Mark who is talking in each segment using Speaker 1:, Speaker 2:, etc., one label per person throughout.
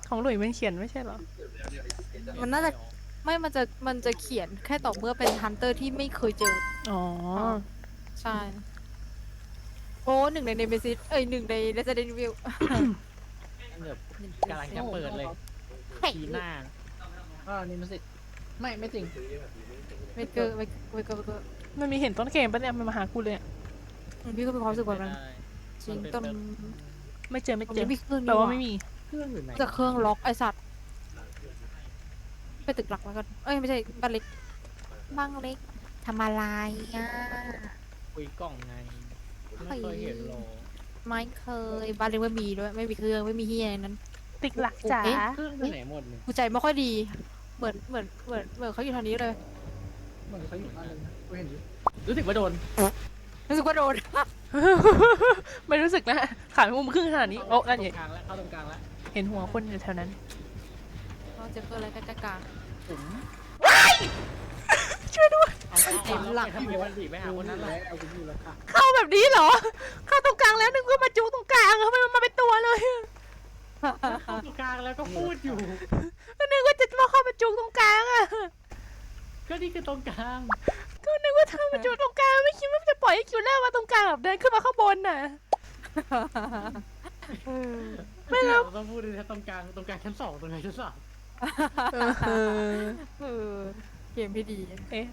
Speaker 1: ของหลุยมันเขียนไม่ใช่เหรอ
Speaker 2: มันน่าจะไม่มันจะเขียนแค่ต่อเมื่อเป็นฮันเตอร์ที่ไม่เคยเจอ
Speaker 1: อ๋อ
Speaker 2: ใช่โอ้หนึ่งในเนเมซิสหนึ่งใน Resident Evil
Speaker 3: แบบกำลังจะเปิดเลยทีหน้านี่มันสิไม่จริง
Speaker 2: ไม่เกอร์ไม่เกอร์
Speaker 1: มันมีเห็นต้นเกมปะเนี่ยมันมาหากูเลย
Speaker 2: พี่ก็เป็นความรู้สึกแบบนั้นจริงต้น
Speaker 1: ไม่เจอ
Speaker 2: ไม่เครื่อง
Speaker 1: แปลว่าไม่มี
Speaker 3: เครื่องอยู่ไหน
Speaker 2: จะเครื่องล็อกไอสัตว์ไปตึกหลักแล้วกันไม่ใช่บ้านเล็กบ้านเล็กทำอะไรอ่ะ
Speaker 3: คุยกล่องไงไม่เคยเห็นหรอ
Speaker 2: ไม่เคยบ้านเล็กไม่มีด้วยไม่มีเครื่องไม่มีเฮียนั้น
Speaker 1: ตึกหลักจ๋า
Speaker 3: เครื่องไหนหมดเนี่ย
Speaker 2: กูใจไม่ค่อยดีเหมือนเขาอยู่ทางนี้เลย
Speaker 3: เหมือนเขาอยู่บ้านเลยกูเห็นรู้สึกว่าโดน
Speaker 1: ไม่รู้สึกนะขามุมครึ่งขนาดนี้โอ้นั่นเอง
Speaker 3: เข้าตรงกลางแล้ว
Speaker 1: เห็นหัวคนอยู่แถวนั้น
Speaker 2: เราจะเกิดอะไรกันกลาง
Speaker 1: ช่วยด้วย
Speaker 3: หลังทำไมมันผีไม่หาคนนั้นเลยเอาคุณอยู่แล้วค่ะ
Speaker 1: เข้าแบบนี้เหรอเข้าตรงกลางแล้วนึกว่ามาจูตรงกลางทำไมมันมาเป็นตัวเลย
Speaker 3: เข้าตรงกลางแล้วก็พูดอยู่
Speaker 1: นึกว่าจะมาเข้ามาจูตรงกลางอ่ะ
Speaker 3: ก็นี่คือตรงกลาง
Speaker 1: ก็นึกว่าเธอมาจูตรงกลางไม่คิดว่าจะปล่อยให้คิวแรกมาตรงกลางแบบเดินขึ้นมาข้างบนน่ะ
Speaker 3: ไม่แล้วต้องพูดเลยตรงกลางชั้น2ตรงไหนชั้น3
Speaker 2: เกมพี่ดี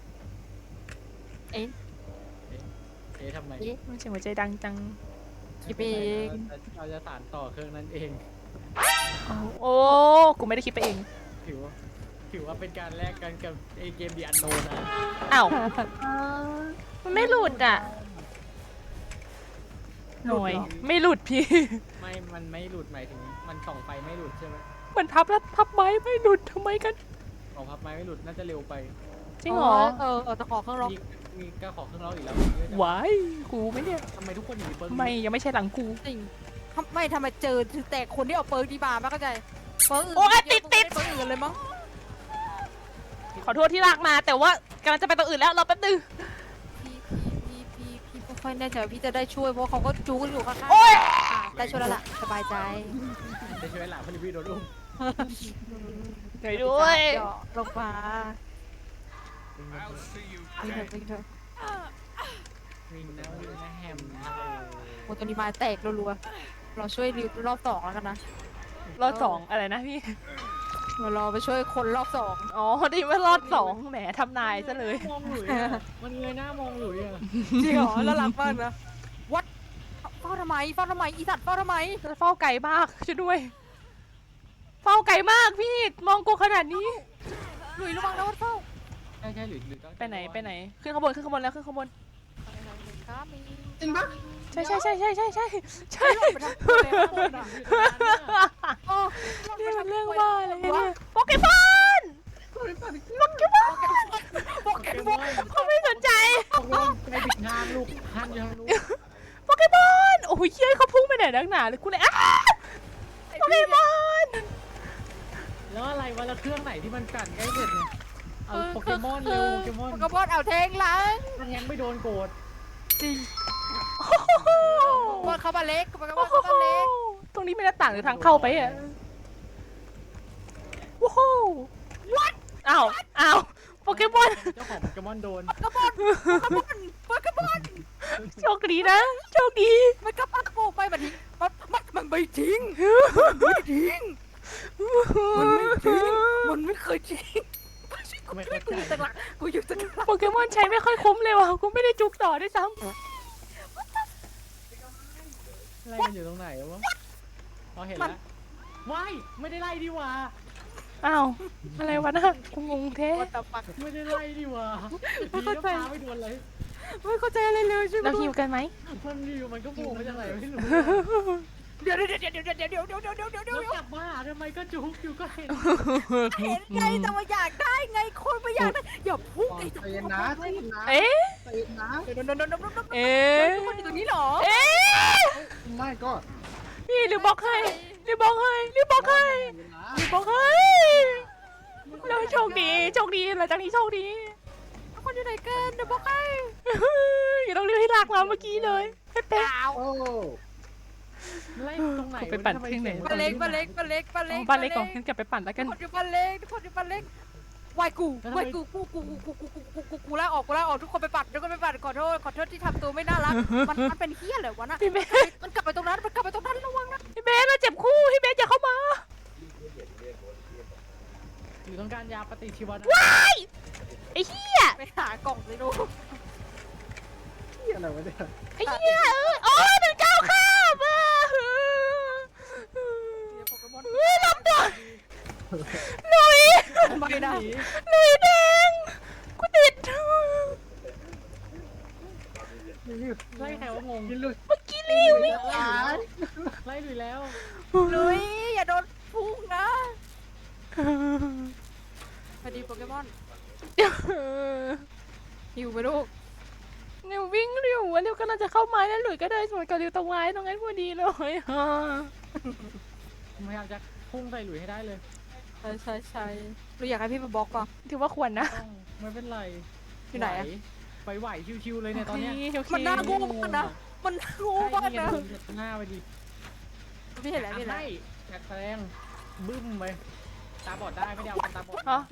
Speaker 3: ทำไม
Speaker 1: มันเสียงหัวใจดังจัง
Speaker 2: คิดเอง
Speaker 3: เราจะสานต่อเครื่องนั้นเอง
Speaker 1: โอ้กูไม่ได้คิดไปเอง
Speaker 3: ถือว่าเป็นการแลกกันกับไอเกมดีอันโนนะ
Speaker 1: อ้าวมันไม่หลุดอ่ะหน่อยไม่หลุดพี่
Speaker 3: มันไม่หลุดหมายถึงมันส่องไฟไม่หลุดใช่ไหม
Speaker 1: มันพับแล้วพับไม้ไม่หลุดทำไมกัน
Speaker 3: ของพับไม้ไม่หลุดน่าจะเร็วไป
Speaker 1: จริงเหรอ
Speaker 2: จะขอเครื่องล็อก
Speaker 3: มีก็ขอเครื่องล็อกอีกแล้ว
Speaker 1: ว้ายกูไม่เนี่ย
Speaker 3: ทำไมทุกคนอยู่เปิร์ก
Speaker 1: ไม่ยังไม่ใช่หลังกู
Speaker 2: จริงไม่ทำไมเจอแต่คนที่เอาเปิร์กดีบาไม่เข้าใจเปิร์กอื่น
Speaker 1: โอ้ติด
Speaker 2: เปิร์กอื่นเลยมั้ง
Speaker 1: ขอโทษที่ลากมาแต่ว่ากำลังจะไปตัวอื่นแล้วรอแป๊บนึง
Speaker 2: พี่ไม่ค่อยแน่ใจว่าพี่จะได้ช่วยเพราะเขาก็จู้กันอยู่ข้างๆได้ช่วยแล้วล่ะสบายใจ
Speaker 3: ได้ช่วยหลังพอดีพี่โดนอุ้ม
Speaker 1: ช่วยด้วย
Speaker 2: ลงมาวิ่งเถอะ
Speaker 3: วิ่งนะแฮม
Speaker 2: โอ้ตัวนี้มาแตกรัวๆเราช่วยรอบ2แล้วกันนะ
Speaker 1: รอบ2อะไรนะพี่
Speaker 2: เราไปช่วยคนรอบ2
Speaker 1: อ๋อดีว่ารอบ2แหมทำนายซะเลย
Speaker 3: มองอยู่มันเงยหน้ามองอยู่อ่ะ
Speaker 2: จริงเหรอแล้วรักมากนะวัดเฝ้าทำไมอีสัตว์เฝ้าทำไม
Speaker 1: เฝ้าไก่มากช่วยด้วยเฝ้าไก่มากพี่มองกูขนาดนี้
Speaker 2: หลุยระวังนะวัดเฝ้า
Speaker 3: ใช่หรือ
Speaker 1: ไปไหนขึ้นข้างบนแล้วขึ้นข้างบน
Speaker 3: จริงปะ
Speaker 1: ใช่นี่มันเรื่องบ้าอะไรเนี่ยโปเกมอนเขาไม่สนใจ
Speaker 3: ไปปิดงานลูกฮันยังรู้
Speaker 1: โปเกมอนโอ้ยเย้ยเขาพุ่งไปไหนนักหนาเลยกูเลยโปเกมอน
Speaker 3: แล้วอะไรวะแล้วเครื่องไหนที่มันกัดใกล้เสร็จเนี่ยเอาโปเกมอนเร็วโปเกมอน
Speaker 2: เอาแทงหลัง
Speaker 3: แทงไม่โดนโกรธ
Speaker 2: จริงบอลเข้ามาเล็ก
Speaker 1: ตรงนี้ไม่ได้ต่างหรือทางเข้าไปอ่ะว้าววัดอ้าวโปเกมอน
Speaker 3: เจ้าของโปเกมอนโดน
Speaker 2: โปเกมอน
Speaker 1: โชคดีนะโชคดี
Speaker 2: มันก็ปักโปไปมันไม่ทิ้งมันไม่เคยทิ้งกูอยู่ตรงหลัง
Speaker 1: โปเกมอนใช้ไม่ค่อยคุ้มเลยว่ะกูไม่ได้จุกต่อด้วยซ้ำ
Speaker 3: ไล่กันอยู่ตรงไหนวะพอเห็นแล้วว้ายไม่ได้ไล่ดีว่า
Speaker 1: อ้าวอะไรวะนะกูงงแท้
Speaker 3: ไม่ได้ไล่ดีว่าไม่เข้าใจไม่โดนเลย
Speaker 2: ไม่เข้าใจอะไรเลยใช่ไหม
Speaker 1: เราหิวกันไหม
Speaker 3: มันก็โผล่มาจากไหนไม่รู้
Speaker 2: เดี๋ยว
Speaker 3: กลับมาทำไมก็จุกอยู่ก็เห็น
Speaker 2: ไงแต่ว่าอยากได้ไงคนไม่อยากได้อย่าพุ่งไอ้
Speaker 3: ตัวนะ
Speaker 1: เอ๊ะ
Speaker 2: คนอยู่ตรงนี้หรอ
Speaker 3: ไม่ก็
Speaker 1: พี่รีบบอกให้เราโชคดีหลังจากนี้โชคดี
Speaker 2: คนอยู่ไหนกันเดี๋ยวบอกให้
Speaker 1: อย่าต้องเรียกให้ลากมาเมื่อกี้เลยให้เป๊ะ
Speaker 3: ไล่ตรงไหน
Speaker 1: กูไปปั่นเครื่องไหน
Speaker 2: บ้านเล็กบ้านเล็กบ้านเล็กบ้าน
Speaker 1: อ๋
Speaker 2: เล็
Speaker 1: อก บ้านเล็กก่อนงั้นกลับไปปั่นแล้ว
Speaker 2: ทุ
Speaker 1: กั
Speaker 2: ก
Speaker 1: น
Speaker 2: คนอยู่บ้านเล็กทุกคนอยู่บ้านเล็กวายกูลาออกทุกคนไปปั่นขอโทษที่ทำตัวไม่น่ารักมันเป็นเฮี้ยเลยวะน่ะ
Speaker 1: พี่เบส
Speaker 2: มันกลับไปตรงนั้นระวังนะ
Speaker 1: พี่เบสเราเจ็บคู่พี่เบสอย่าเข้ามา
Speaker 3: หรือต้องการยาปฏิชีวนะ
Speaker 1: ไอ้เหี้ย
Speaker 2: ไปหากล่องสิลูก
Speaker 3: ที่อะไรวะเนี่ย
Speaker 1: ไอ้เหี้ยโอ้ยมันก้าวข้ามอ่ะ
Speaker 2: โปเกมอน
Speaker 1: ลำบากหนุ่ย
Speaker 2: ไม่ได้
Speaker 1: หนุ่ยแดงกูติด
Speaker 3: ไล่ใครว่างง
Speaker 1: เมื่อกี้ลิวไม่
Speaker 3: ไล่ลุยแล้ว
Speaker 2: ลุยอย่าโดนพุ่งนะพอดีโปเกมอนหิวไหมลูก
Speaker 1: นิววิ่งเร็วนิวกำลังจะเข้าไม้แล้วหลุยก็เดินสวนกับนิวตรงไม้ตรงนั้นพอดีเลย
Speaker 3: พยายามจะพุ่งใส่หลุยให้ได้เลย
Speaker 2: ใช่ลุยอยากให้พี่มาบล็อกป่ะ
Speaker 1: ถือว่าควรนะ
Speaker 3: ต้องไม่เป็นไร
Speaker 2: อยู่ไหนอะ
Speaker 3: ไหวชิวๆเลยเนี่ยตอนเนี้ย
Speaker 2: มันน่าโง่มากนะมันน่าโง่มากนะ
Speaker 3: หน้าไปดิ
Speaker 2: พี่เห็นแล้วพี่เห็นแล้ว
Speaker 3: ให้แจกแสดงบึ้มไปตาบอดได้ไม่ได้เอาตาบอด
Speaker 1: อ๋อ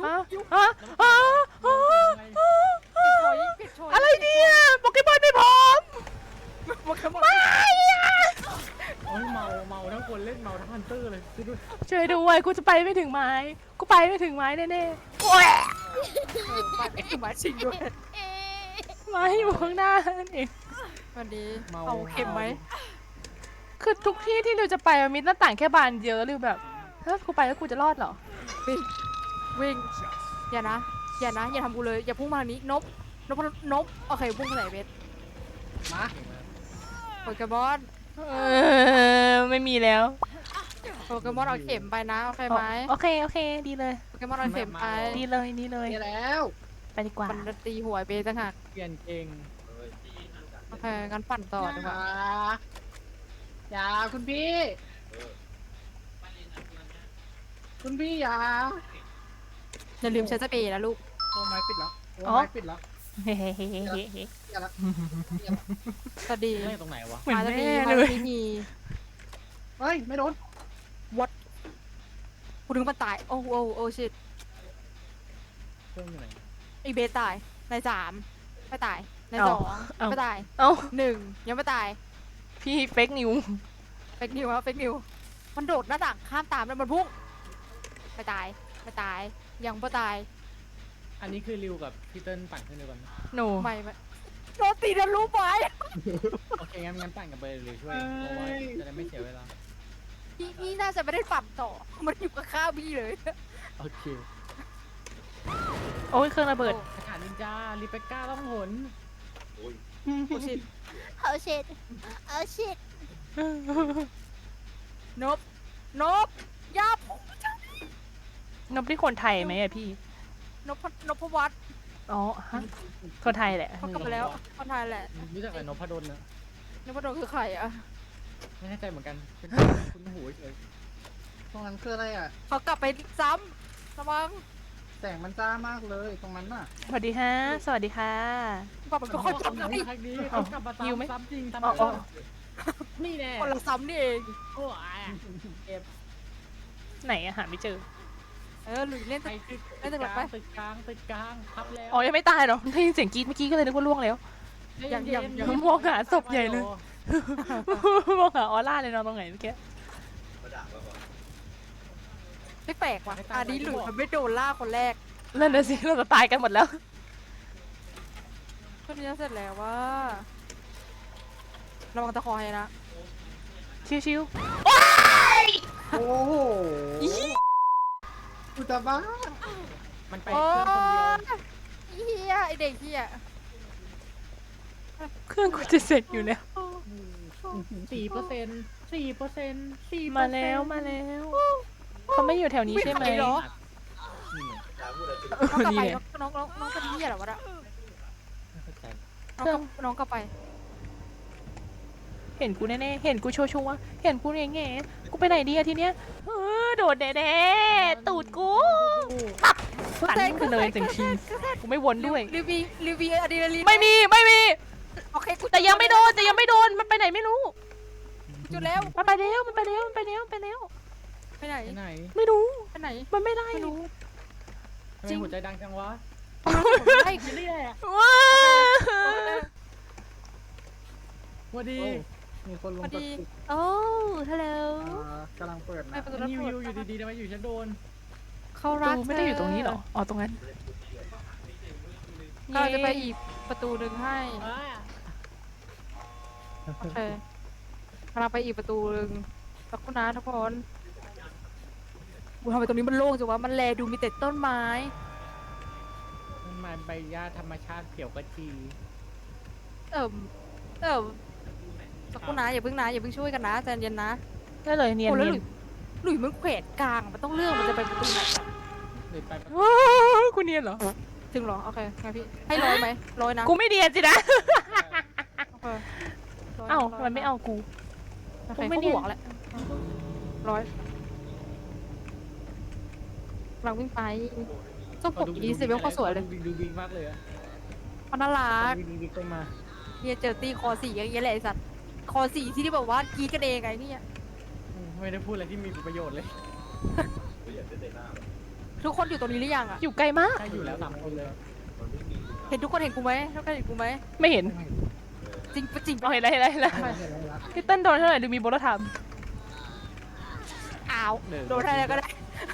Speaker 2: ปิดโชย
Speaker 1: อะไรเนี่ยโปเกมอนไม่พร้อม
Speaker 2: โปเกมอน
Speaker 3: โอ้ยเมาทั้งคนเล่นเมาทั้งฮันเตอร์เลยดู
Speaker 1: ช่วยด้วยกูจะไปไม่ถึงไม้กูไปไม่ถึงไม้แน่ๆโอ้ย
Speaker 2: ปัดไอ้หมาชิงด้วย
Speaker 1: ไม้อยู่ข้างหน้านั่นเอง
Speaker 2: วันนี้เอาเข็มไหม
Speaker 1: คือทุกที่ที่เราจะไปมันมีหน้าต่างแค่บานเดียวหรือแบบถ้ากูไปแล้วกูจะรอดเหรอ
Speaker 2: วิ่งอย่าทำกูเลยอย่าพุ่งมาทางนี้นบโอเคพุ่งไปไหนเบส
Speaker 3: มา
Speaker 2: โปเกมอน
Speaker 1: ไม่มีแล้ว
Speaker 2: โปเกมอนเอาเข็มไปนะโอเคไหม
Speaker 1: โอเคดีเลย
Speaker 2: โปเกมอนเอาเข็มไป
Speaker 1: ดีเลยดีเลย
Speaker 3: เจอแล้ว
Speaker 1: ไปดีกว่า
Speaker 2: มันตีหัวเบสต่างหาก
Speaker 3: เปลี่ยนเก่ง
Speaker 2: โอเคงั้นปั่นต่อดีกว่า
Speaker 3: อย่าคุณพี่อย่า
Speaker 2: อย่าลืมใช้สเปรย์นะลูก
Speaker 3: โอ้ไม้ปิดแล้วโอ้
Speaker 1: อ๋อ
Speaker 3: ไม้ปิดแล้ว
Speaker 1: เฮ้
Speaker 3: อย่าละ
Speaker 2: สวัสดี
Speaker 3: เล่นตรงไหนวะ
Speaker 1: เหมือน
Speaker 2: มาจะ
Speaker 1: แม่
Speaker 2: มี
Speaker 1: เลย
Speaker 2: มี
Speaker 3: เฮ้ยไม่โดน
Speaker 2: วัดกูถึงมันตายโอ้ชิต
Speaker 3: เครื่องอยู่ไหน
Speaker 2: ไอเบสตายใน3ไม่ตายใน2ไม่ตาย
Speaker 1: เอ้า
Speaker 2: 1ยังไม่ตาย
Speaker 1: พี่เฟกนิว
Speaker 2: เฟกนิวมันโดดหน้าต่างข้ามตามแล้วมันพุ่งไม่ตายยังไม่ตาย
Speaker 3: อันนี้คือริวกับพี่เติ้ลปั่นขึ้นด้วยกัน
Speaker 1: หนู
Speaker 2: ไม่โดนตีนะรู้ไหม
Speaker 3: โอเคงั้นปั่นกับเบย์เลยช่วยเพราะว่าจะได้ไม่เสียเวลา
Speaker 2: พี่น่าจะไม่ได้ปั่นต่อมันอยู่กับข้าวพี่เลย
Speaker 3: โอเค
Speaker 1: โอ้ยเครื่องระเบิด
Speaker 3: สถานนินจาลิเบก้าต้องหน
Speaker 2: โอ้ชิตนบยับ
Speaker 1: นบที่คนไทยไหมอะพี่
Speaker 2: นพวัฒน์
Speaker 1: อ๋อฮะคนไทยแหละ
Speaker 2: เขากลับมาแล้วคนไทยแหละ
Speaker 3: รู้จักไอ้นพดลนะ
Speaker 2: นพดลคือใครอะ
Speaker 3: ไม่แน่ใจเหมือนกันเป็นคุณหูเฉย
Speaker 4: ตรงนั้นคืออะไรอ่ะ
Speaker 2: เขากลับไปซ้ำระวัง
Speaker 4: แสงมันจ้ามากเลยตรงนั้นน่ะ
Speaker 1: สวัสดีฮะสวัสดีค่ะ
Speaker 2: กลับไปก็ค่อยจำได้
Speaker 3: ครั้งนี้เขากลับมา
Speaker 1: หิวไหม
Speaker 3: ซ้ำจริง
Speaker 1: อ๋ออ๋อ
Speaker 3: นี่แน่
Speaker 2: คนละซ้ำนี่เอง
Speaker 3: โอ้ยเก็บ
Speaker 1: ไหนอะหาไม่เจอ
Speaker 2: หลุยเล่น
Speaker 3: ไปตึกกลางตึกกลางทับแล้ว
Speaker 1: อ๋อยังไม่ตายเหรอได้ยินเสียงกรี๊ดเมื่อกี้ก็เลยนึกว่าล่วงแล้ว มองหาศพใหญ่เลย มองหาออร่าเลยนอนตรงไหนเมื่อกี้
Speaker 2: ไม่แปลกว่ะอันนี้หลุยมันไม่โดนล่าคนแรก
Speaker 1: นั่นน่ะสิเราจะตายกันหมดแล้ว
Speaker 2: คนนี้เสร็จแล้วว่าระวังตะคอให้นะ
Speaker 1: ชิว
Speaker 4: โอ้โหกูจะบ้า
Speaker 3: มันไป
Speaker 2: โอ้
Speaker 3: เครื่องคนเดียว
Speaker 2: เฮียไอเด็กเฮีย
Speaker 1: ๆเครื่องกูจะเสร็จอยู่แล้ว
Speaker 3: 4%
Speaker 1: มาแล้วเขาไม่อยู่แถวนี้ใช่ไหม
Speaker 2: เหรอ
Speaker 3: นี่ไง
Speaker 2: น้องกลับไปน้องเป็นเฮียเหรอวะน่ะ
Speaker 3: ไม่เข้าใจ
Speaker 2: น้องกลับไป
Speaker 1: เห็นกูแน่ๆเห็นกูชัวร์ๆเห็นกูแง่ๆกูไปไหนดีอะทีเนี้ยโดดแน่ๆตูดกูตันขึ้นเลยจริงๆกูไม่วนด้วย
Speaker 2: รีวิวอะดรีนาลีน
Speaker 1: ไม่มี
Speaker 2: โอเคกู
Speaker 1: แต่ยังไม่โดนมันไปไหนไม่รู้
Speaker 2: จุดแล้ว
Speaker 1: มันไปแล้วมันไปแล้วมันไปแล้วมันไปแล้ว
Speaker 2: ไปไหน
Speaker 3: ไปไหน
Speaker 1: ไม่รู้
Speaker 2: ไปไหน
Speaker 1: มันไม่ได้
Speaker 2: ไม่รู้
Speaker 3: ทำไมหัวใจดังจังวะ
Speaker 2: ไอ้
Speaker 3: นี่แหละ
Speaker 1: ว้า
Speaker 3: วัสดี
Speaker 4: โอ้มีคนล
Speaker 2: พ
Speaker 4: ง
Speaker 2: อ
Speaker 4: ประ
Speaker 2: ดี
Speaker 4: ตู
Speaker 2: โอ้ฮัลโหล
Speaker 4: กำลังเปิด
Speaker 2: ไป
Speaker 4: นะ
Speaker 2: ประตูรับ
Speaker 3: นี่
Speaker 2: โท
Speaker 3: วิ
Speaker 2: ษ
Speaker 3: วอยู่ดีๆทำไมอยู่ชั้นโดน
Speaker 2: เขา
Speaker 1: ประ
Speaker 2: รัก
Speaker 1: ตูไม่ได้อยู่ตรงนี้เหรออ๋อตรงนั้น
Speaker 2: ก็จะไปอีกประตูหนึ่งให้
Speaker 3: อ่า
Speaker 2: โอเคกำลังไปอีกประตูหนึ่งสักครู่นะทุกคนกูทำไมตรงนี้มันโล่งจังวะมันแลดูมีแต่ต้นไม้
Speaker 3: มันมาใบหญ้าธรรมชาติเขียวกระจี
Speaker 2: เอิ่มเอิ่มสักครู่นะอย่าเพิ่งนะอย่าเพิ่งช่วยกันนะใจเย็นนะ
Speaker 1: ได้เลยเนียน
Speaker 2: โอ้แล้ว
Speaker 1: เนี
Speaker 2: ห
Speaker 1: ย
Speaker 2: ลุ
Speaker 1: น
Speaker 2: ยมึงแขวนกลางมันต้องเลือกมันจะไปประตูไหนอะ
Speaker 3: เลยไป
Speaker 1: ว้าวกูเนียนเหรอ
Speaker 2: ถึงเหรอโอเคไงพี่ให้ร้อยไหมร้อยนะ
Speaker 1: กูไม่เนียนสินะ
Speaker 2: โอเคร้ย
Speaker 1: เอ้า
Speaker 2: ร้ย
Speaker 1: ทำไมไม่เอากู
Speaker 2: โอเค
Speaker 1: กูไม่
Speaker 2: เขา
Speaker 1: เนียน
Speaker 2: ห่วงแหละร้อยกำลังวิ่งไปต้องปกอีสิเวลเขาสวยเลย
Speaker 3: ดูดีมากเลยอะ
Speaker 2: เขาน่ารัก
Speaker 3: ดูดีๆมา
Speaker 2: เฮียเจอตีคอสี่อย่างเงี้ยแหละไอสัตว์คอสี่ที่แบบว่ากรีดกันเองไงเนี่ย
Speaker 3: ไม่ได้พูดอะไรที่มีประโยชน์เลย
Speaker 2: ทุกคนอยู่ตรงนี้หรือยังอ่ะ
Speaker 1: อยู่ไกลมาก
Speaker 3: ใช่อยู่แล้ว3 คนเลย
Speaker 2: เห็นทุกคนเห็นกูไหมทุกคนเห็นกูไหม
Speaker 1: ไม่เห็น
Speaker 2: จริงปะจริง
Speaker 1: เอา
Speaker 2: ปะ
Speaker 1: เห็นแล้วเห็นแล้วเห็นแล้ว
Speaker 4: เห็นแล้ว
Speaker 1: พี่เต้นโดนเท่าไหร่ดูมีบทธรรม
Speaker 2: อ้าวโดนอะไรก็ได้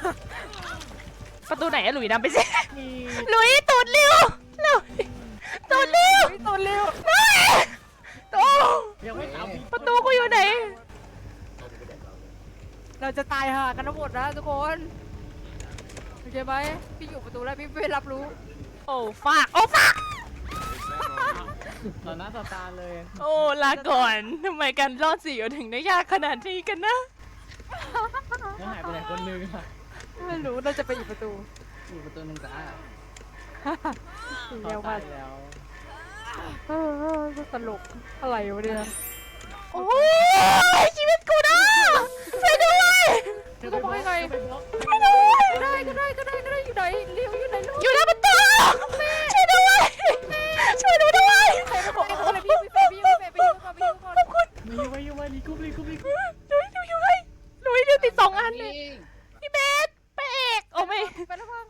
Speaker 1: ประตูไหนอะหลุยนำไปสิหลุยตูดเร็วเร็วตูดเร็ว
Speaker 2: เฮ้ยตัวเร็ว
Speaker 1: โอ้
Speaker 3: ยังไม่ตามพี่
Speaker 1: ประตูกูอยู่ไหน
Speaker 2: เราจะตายห่ากันทั้งหมดนะทุกคนโอเคไหมพี่อยู่ประตูแล้วพี่ไม่รับรู้
Speaker 1: โอ้ฝากโอ้ฝาก
Speaker 3: ต่อหน้าต่อตาเลย
Speaker 1: โอ้ลาก่อนทำไมการรอดสี่ถึงได้ยากขนาดนี้กันนะ
Speaker 3: แล้วหายไปไหนคนนึงอะ
Speaker 2: ไม่รู้เราจะไปอีกประตู
Speaker 4: อยู่ประตูหนึงจ้า
Speaker 3: เขา
Speaker 2: เร็วาย ก
Speaker 3: ตามแล้ว
Speaker 2: เออตลกอะไรวะเนี่ย
Speaker 1: โอ้ยชีวิตกูนะช่วยด้วย
Speaker 2: ก็บอกให้ไง
Speaker 1: ช่วยด้วย
Speaker 2: ก็ได้อยู่ไหนเลี้ยวอยู่ไหนลูก
Speaker 1: อยู่หน้าประตูช่วยด้วยช่วยหนูด้วย
Speaker 2: ใครเป็นพี่ไปยืมก่อนไปยืมก่อน
Speaker 1: ขอบคุณ
Speaker 3: มาอยู่รีกุ๊บ
Speaker 1: หลุยอยู่ให้หลุยเดี๋ยวติด2 อันเลยพี่เบสไปเอกโอ้ไม่
Speaker 2: ไปแล้วพัง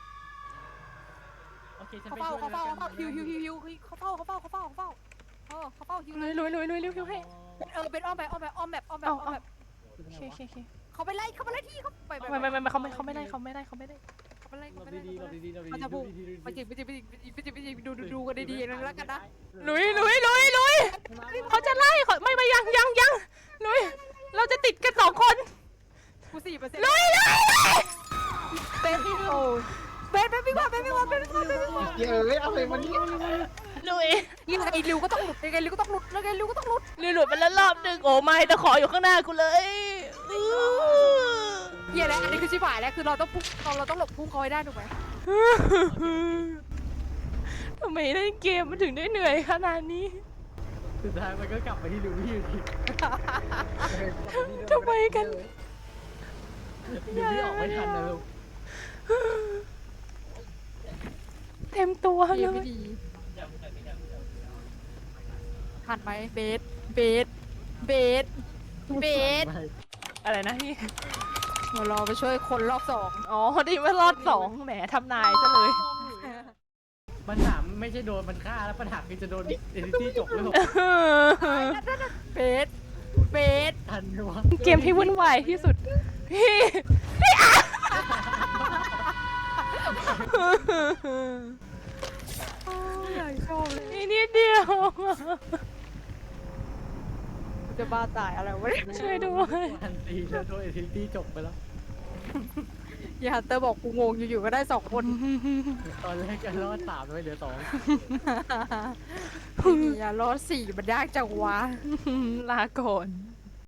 Speaker 3: โอเคฉัน
Speaker 2: เขา
Speaker 3: ไป
Speaker 2: เฝ้า
Speaker 3: ช่วย
Speaker 2: เขาเฝ้า
Speaker 3: แล้วกัน
Speaker 2: ฮิวเขาเฝ้าฮิว
Speaker 1: หลุยฮิวให้
Speaker 2: เป็นอ้อมแบบ
Speaker 1: โอเค
Speaker 2: เขาไปไล่ที่เขาไป
Speaker 1: ไม่เขาไม่ได้เขาไม่ได้
Speaker 2: เขาไปไล่
Speaker 3: หลบดีๆหลบดีๆหลบดีๆ
Speaker 2: เขาจะพูด
Speaker 3: ดูดีๆ
Speaker 2: ไปจิบดูกันดีๆแล้วกันนะ
Speaker 1: หลุยเขาจะไล่เขาไม่ยังหลุยเราจะติดกัน2 คน
Speaker 2: กู4%
Speaker 1: หลุย
Speaker 2: เป็นโอ้เบนวิ่งมา
Speaker 4: เยอะเอาเลยมันนี่
Speaker 1: หลุย
Speaker 2: ยังไงริวก็ต้องหลุดยังไงริวก็ต้องหลุด
Speaker 1: หลุดไปแล้วรอบนึงโอ้ไม่ตะขออยู่ข้างหน้ากูเลย
Speaker 2: เฮียแล้วอันนี้คือชิบหายแล้วคือเราต้องพุ่งเราต้องหลบพุ่งเขาให้ได้ถูกไหม
Speaker 1: ทำไมเล่นเกมมันถึงได้เหนื่อยขนาดนี้
Speaker 3: สุดท้ายมันก็กลับไปที่ดูพี่อยู่ดี
Speaker 1: ทำไมกัน
Speaker 3: ดูพี่ออกไม่ทันนะลูก
Speaker 1: เต็มตัว
Speaker 2: เฮี
Speaker 1: เลย
Speaker 2: ไม่ดีทันไหมเบส
Speaker 1: อะไรนะพี่
Speaker 2: เดี๋ยวรอไปช่วยคนรอบ2
Speaker 1: อ๋อดีว่ารอด2แหมทำนายซะเลย
Speaker 3: ปัญหาไม่ใช่โดนมันฆ่าแล้วปัญหาคือจะโดนเอดิตี้จบหรือเปล่า
Speaker 2: เบส
Speaker 3: ทันไหมวะ
Speaker 1: เกมที่วุ่นวายที่สุด พี่
Speaker 2: ชอบเลย
Speaker 1: นี่นิดเดียว
Speaker 2: จะบ้าตายอะไรวะเนี่ย
Speaker 1: ช่วยด้วย
Speaker 3: ทันทีแล้วโดนเอดิตี้จบไปแล้ว
Speaker 2: อย่าฮันเตอร์บอกกูงงอยู่ๆก็ได้2 คน
Speaker 3: ตอนแรกจะรอด3เลยเหลือ2
Speaker 2: อย่ารอด4มันยากจังวะ
Speaker 1: ลาก่อน